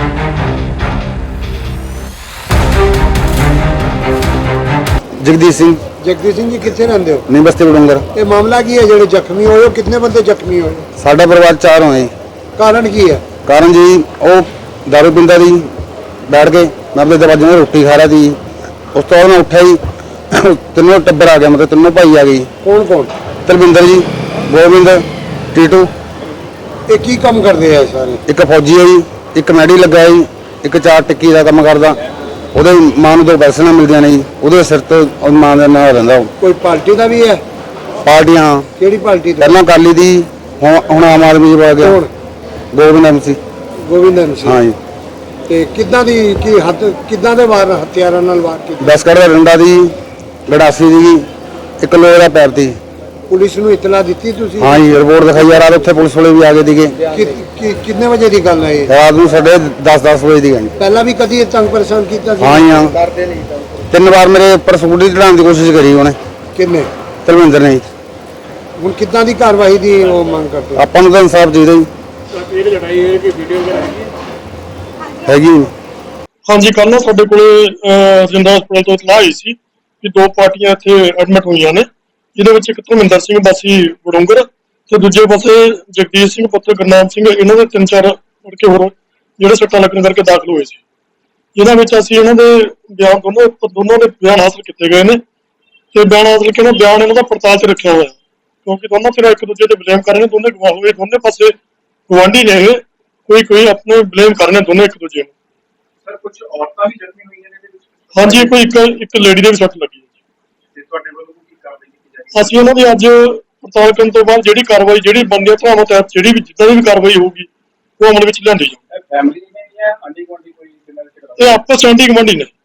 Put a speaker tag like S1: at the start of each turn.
S1: जगदीश सिंह।
S2: जगदीश सिंह जी कितने रहंदे हो?
S1: नहीं बस्ती बडूंगर।
S2: ये मामला की है जो जख्मी होए? कितने बंदे जख्मी होए?
S1: साडा परिवार 4 होए।
S2: कारण की है?
S1: कारण जी वो दारू पींदा सी, बैठ के मैं अपने दरवाजे में रोटी खा रहा थी, उस तो बाद मैं उठा ही तीनों टब्बर आ गया, मतलब तीनों भाई आ गई।
S2: कौन कौन?
S1: तरविंदर जी, गोविंद, टीटू।
S2: ये की काम करते हैं सारे?
S1: एक फौजी है जी, एक मैडी लगा है जी, एक 4 टिक्की का काम करता। ਉਹਦੇ ਮਾਂ ਨੂੰ 2 ਪੈਸੇ ਨਾ ਮਿਲਦੀਆਂ ਨੇ ਜੀ, ਉਹਦੇ ਸਿਰ ਤੋਂ ਮਾਂ ਦੇ ਨਾਲ ਰਹਿੰਦਾ।
S2: ਕੋਈ ਪਾਰਟੀ ਦਾ ਵੀ ਹੈ?
S1: ਪਾਰਟੀਆਂ
S2: ਕਿਹੜੀ ਪਾਰਟੀ ਤੋਂ?
S1: ਪਹਿਲਾਂ ਅਕਾਲੀ ਦੀ, ਹੁਣ ਆਮ ਆਦਮੀ ਚ ਆ ਗਿਆ। ਗੋਬਿੰਦ MC।
S2: ਗੋਬਿੰਦ MC।
S1: ਹਾਂ ਜੀ।
S2: ਤੇ ਕਿੱਦਾਂ ਦੀ ਕੀ ਹੱਥ ਕਿੱਦਾਂ ਦੇ ਵਾਰ ਹਥਿਆਰਾਂ ਨਾਲ ਵਾਰ ਕੀਤੇ?
S1: 10 ਕੱਢ ਦਾ ਡੰਡਾ ਦੀ, ਗੜਾਸੀ ਦੀ, 1 ਲੋਹੇ ਦਾ ਪੈਰ ਦੀ।
S2: ਪੁਲਿਸ ਨੂੰ ਇਤਲਾ ਦਿੱਤੀ ਤੁਸੀਂ?
S1: ਹਾਂ ਜੀ, ਰਿਪੋਰਟ ਦਿਖਾਈ ਯਾਰ, ਉੱਥੇ ਪੁਲਿਸ ਵਾਲੇ ਵੀ ਆ ਗਏ ਸੀਗੇ।
S2: ਕਿੰਨੇ ਵਜੇ ਦੀ ਗੱਲ ਹੈ ਇਹ?
S1: ਰਾਤ ਨੂੰ 10:30 ਵਜੇ ਦੀ ਗੱਲ।
S2: ਪਹਿਲਾਂ ਵੀ ਕਦੀ ਤੰਗ ਪਰੇਸ਼ਾਨ ਕੀਤਾ ਸੀ?
S1: ਹਾਂ ਜੀ ਹਾਂ।
S2: ਕਰਦੇ ਨਹੀਂ।
S1: 3 ਵਾਰ ਮੇਰੇ ਉੱਪਰ ਸਕੂਟਰੀ ਚੜਾਉਣ ਦੀ ਕੋਸ਼ਿਸ਼ ਕਰੀ ਉਹਨੇ।
S2: ਕਿੰਨੇ?
S1: ਤਰਵਿੰਦਰ ਨੇ।
S2: ਹੁਣ ਕਿੱਦਾਂ ਦੀ ਕਾਰਵਾਈ ਦੀ ਉਹ ਮੰਗ ਕਰਦੇ?
S1: ਆਪਾਂ ਨੂੰ ਤਾਂ ਇਨਸਾਫ ਚਾਹੀਦਾ ਜੀ।
S2: ਇਹ ਲੜਾਈ ਹੈ ਕਿ ਵੀਡੀਓ ਵਗੈਰਾ
S1: ਹੈਗੀ।
S3: ਹਾਂਜੀ, ਕੱਲ ਨਾ ਸਾਡੇ ਕੋਲੇ ਰਜਿੰਦਰਾ ਹਸਪਤਾਲ ਤੋਂ ਇਤਲਾਹ ਆਈ ਸੀ ਕਿ 2 ਪਾਰਟੀਆਂ ਇੱਥੇ ਐਡਮਿਟ ਹੋਈਆਂ ਨੇ, ਜਿਹਦੇ ਵਿੱਚ ਇੱਕ ਧਰਮਿੰਦਰ ਸਿੰਘ ਵਾਸੀ ਬਡੂੰਗਰ ਤੇ ਦੂਜੇ ਪਾਸੇ ਜਗਦੀਸ਼ ਸਿੰਘ ਪੁੱਤਰ ਗੁਰਨਾਮ ਸਿੰਘ, ਇਹਨਾਂ ਦੇ 3-4 ਲੜਕੇ ਹੋਰ ਜਿਹੜੇ ਸੱਟਾਂ ਲੱਗਣ ਕਰਕੇ ਦਾਖਲ ਹੋਏ ਸੀ। ਜਿਹਨਾਂ ਵਿੱਚ ਅਸੀਂ ਇਹਨਾਂ ਦੇ ਬਿਆਨ ਦੋਨੋਂ ਦੇ ਬਿਆਨ ਹਾਸਲ ਕੀਤੇ ਗਏ ਨੇ ਤੇ ਬਿਆਨ ਹਾਸਲ ਕੇ ਨਾ ਬਿਆਨ ਇਹਨਾਂ ਦਾ ਪੜਤਾਲ 'ਚ ਰੱਖਿਆ ਹੋਇਆ, ਕਿਉਂਕਿ ਦੋਨੋਂ ਫਿਰ ਇੱਕ ਦੂਜੇ ਤੇ ਬਲੇਮ ਕਰ ਰਹੇ ਨੇ। ਦੋਨੇ ਗਵਾਹ ਹੋਏ, ਦੋਨੇ ਪਾਸੇ ਗਵਾਂਢੀ ਨੇ ਇਹ, ਕੋਈ ਆਪਣੇ ਬਲੇਮ ਕਰ ਰਹੇ ਨੇ ਦੋਨੇ ਇੱਕ ਦੂਜੇ ਨੂੰ।
S4: ਸਰ ਕੁਝ ਔਰਤਾਂ ਵੀ ਜ਼ਖਮੀ ਹੋਈਆਂ ਨੇ ਇਹਦੇ ਵਿੱਚ?
S3: ਹਾਂਜੀ, ਕੋਈ ਇੱਕ ਲੇਡੀ ਦੇ ਵੀ ਸੱਟ ਲੱਗੀ ਹੈ
S4: ਤੇ ਤੁਹਾਡੇ ਵੱਲੋਂ ਕੀ ਕਾਰਵਾਈ ਕੀਤੀ ਜਾਏਗੀ?
S3: ਅਸੀਂ ਉਹਨਾਂ ਦੀ ਅੱਜ ਪੜਤਾਲ ਕਰਨ ਤੋਂ ਬਾਅਦ ਜਿਹੜੀ ਕਾਰਵਾਈ ਜਿਹੜੀ ਬਣਦੀ ਧਾਰਾਵਾਂ ਤਹਿਤ ਜਿਹੜੀ ਵੀ ਜਿੱਦਾਂ ਦੀ ਵੀ ਕਾਰਵਾਈ ਹੋਊਗੀ ਉਹ ਅਮਲ ਵਿੱਚ ਲਿਆਂਦੀ ਜਾਊਗੀ।
S4: ਫੈਮਿਲੀ ਨੇ ਜਾਂ ਆਂਢੀ ਗੁਆਂਢੀ ਕੋਈ ਜਿਨ੍ਹਾਂ ਦੇ?
S3: ਇਹ ਆਪਸ ਚ ਆਂਢੀ ਗੁਆਂਢੀ ਨੇ।